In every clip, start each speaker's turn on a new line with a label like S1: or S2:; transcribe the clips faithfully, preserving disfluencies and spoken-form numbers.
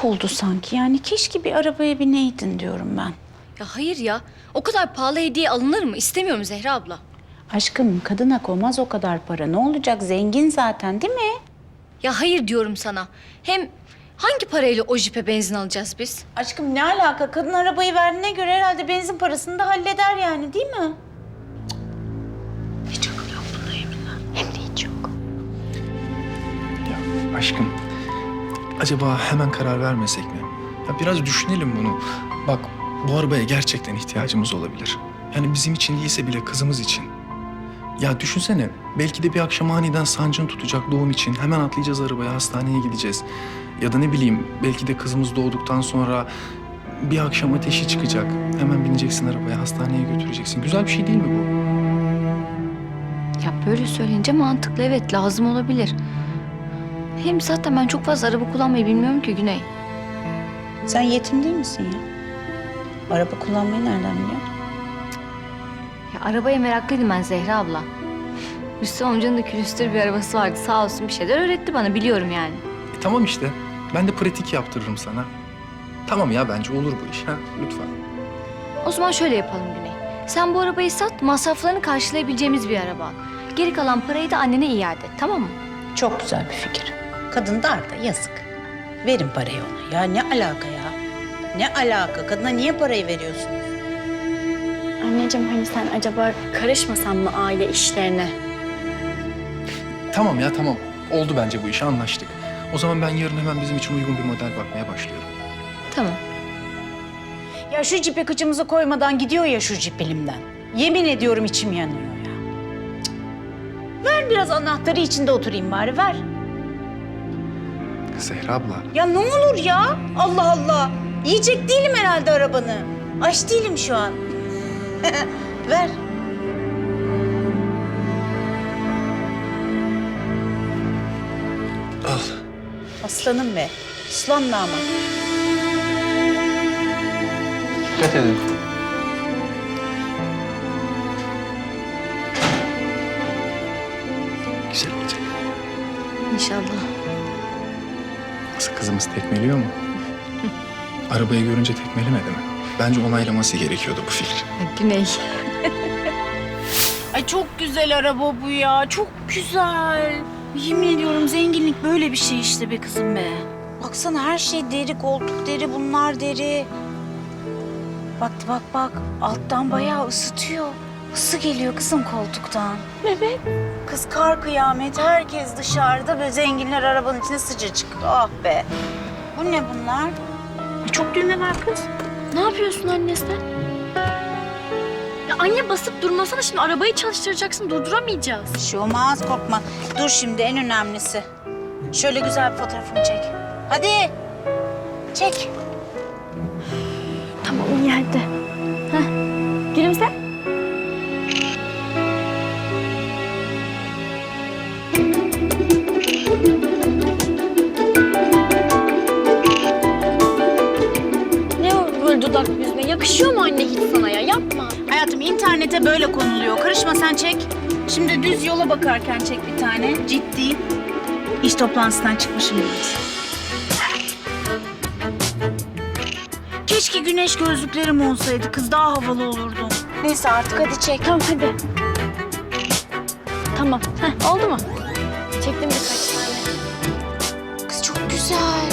S1: ayıp oldu sanki. Yani keşke bir arabaya bineydin diyorum ben.
S2: Ya hayır ya. O kadar pahalı hediye alınır mı? İstemiyorum Zehra abla.
S1: Aşkım kadına koymaz o kadar para. Ne olacak? Zengin zaten değil mi?
S2: Ya hayır diyorum sana. Hem hangi parayla o jipe benzin alacağız biz?
S1: Aşkım ne alaka? Kadın arabayı verdiğine göre herhalde benzin parasını da halleder yani değil mi? Hiç akıl yok bunda yeminle.
S2: Hem de hiç yok.
S3: Ya aşkım, acaba hemen karar vermesek mi? Ya biraz düşünelim bunu. Bak, bu arabaya gerçekten ihtiyacımız olabilir. Yani bizim için değilse bile kızımız için. Ya düşünsene, belki de bir akşam aniden sancın tutacak doğum için. Hemen atlayacağız arabaya, hastaneye gideceğiz. Ya da ne bileyim, belki de kızımız doğduktan sonra bir akşam ateşi çıkacak. Hemen bineceksin arabaya, hastaneye götüreceksin. Güzel bir şey değil mi bu?
S2: Ya böyle söyleyince mantıklı, evet, lazım olabilir. Hem zaten ben çok fazla araba kullanmayı bilmiyorum ki Güney.
S1: Sen yetim değil misin ya? Araba kullanmayı nereden biliyorsun?
S2: Ya arabaya meraklıydım ben Zehra abla. Rüstem amcanın da külüstür bir arabası vardı. Sağ olsun bir şeyler öğretti bana, biliyorum yani.
S3: E, tamam işte, ben de pratik yaptırırım sana. Tamam ya, bence olur bu iş. Ha? Lütfen.
S2: O zaman şöyle yapalım Güney. Sen bu arabayı sat, masraflarını karşılayabileceğimiz bir araba al. Geri kalan parayı da annene iade et, tamam mı?
S1: Çok güzel bir fikir. Kadın dar da yazık. Verin parayı ona. Ya ne alaka ya? Ne alaka? Kadına niye parayı veriyorsun?
S4: Anneciğim hani sen acaba karışmasan mı aile işlerine?
S3: Tamam ya, tamam. Oldu bence bu iş, anlaştık. O zaman ben yarın hemen bizim için uygun bir model bakmaya başlıyorum.
S2: Tamam.
S1: Ya şu cipe kıçımızı koymadan gidiyor ya şu cip elimden. Yemin ediyorum içim yanıyor ya. Cık. Ver biraz anahtarı içinde oturayım bari ver.
S3: Zehra abla.
S1: Ya ne olur ya? Allah Allah. Yiyecek değilim herhalde arabanı. Aç değilim şu an. Ver.
S3: Al.
S1: Aslanım be. Aslan damat.
S3: Dikkat edin. Güzel olacak.
S2: İnşallah.
S3: Nasıl, kızımız tekmeliyor mu? Arabayı görünce tekmelemedi mi? Bence onaylaması gerekiyordu bu fikri.
S2: Güney.
S1: Ay çok güzel araba bu ya. Çok güzel. Yemin ediyorum zenginlik böyle bir şey işte be kızım be. Baksana her şey deri, koltuk deri, bunlar deri. Bak bak bak alttan bayağı ısıtıyor. Isı geliyor kızım koltuktan.
S4: Evet.
S1: Kız kar kıyamet, herkes dışarıda ve zenginler arabanın içinde sıcacık. Ah be. Bu ne bunlar? Çok düğme var kız.
S4: Ne yapıyorsun anne sen? Ya anne basıp durmasana, şimdi arabayı çalıştıracaksın, durduramayacağız.
S1: Bir şey olmaz, korkma. Dur şimdi en önemlisi. Şöyle güzel bir fotoğrafımı çek. Hadi. Çek.
S4: Tamam iyi hadi. Heh. Gülümse. Ne o böyle dudak yüzüne? Yakışıyor mu anne hiç sana ya? Yapma.
S1: Hayatım internete böyle konuluyor. Karışma sen çek. Şimdi düz yola bakarken çek bir tane. Ciddi. İş toplantısından çıkmışım biraz. Keşke güneş gözlüklerim olsaydı. Kız daha havalı olurdu. Neyse artık hadi çek.
S4: Tamam hadi. Tamam. Heh, oldu mu? Çektim birkaç tane.
S1: Kız çok güzel.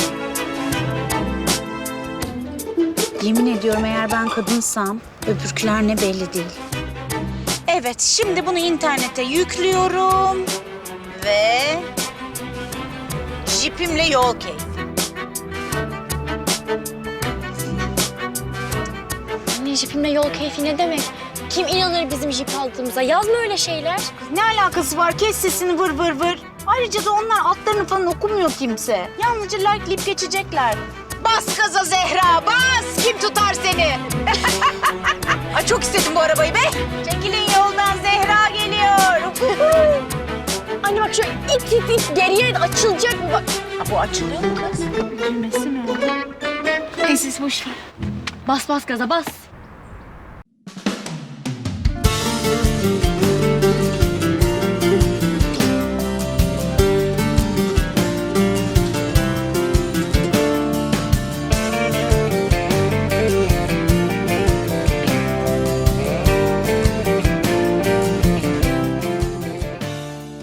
S1: Yemin ediyorum eğer ben kadınsam öbürküler ne belli değil. Evet şimdi bunu internete yüklüyorum. Ve jipimle yol keyfi.
S4: Anne jipimle yol keyfi ne demek? Kim inanır bizim jip aldığımıza? Yazma öyle şeyler.
S1: Ne alakası var? Kes sesini vır vır vır. Ayrıca da onlar altlarını falan okumuyor kimse. Yalnızca likeleyip geçecekler. Bas gaza Zehra, bas! Kim tutar seni? Ay çok istedim bu arabayı be. Çekilin yoldan, Zehra geliyor.
S4: Anne bak şöyle it it it geriye açılacak mı? Bak.
S1: Ha, bu açılıyor mu kız?
S4: Düğmesi mi o? Neyse boş ver. Bas bas gaza bas.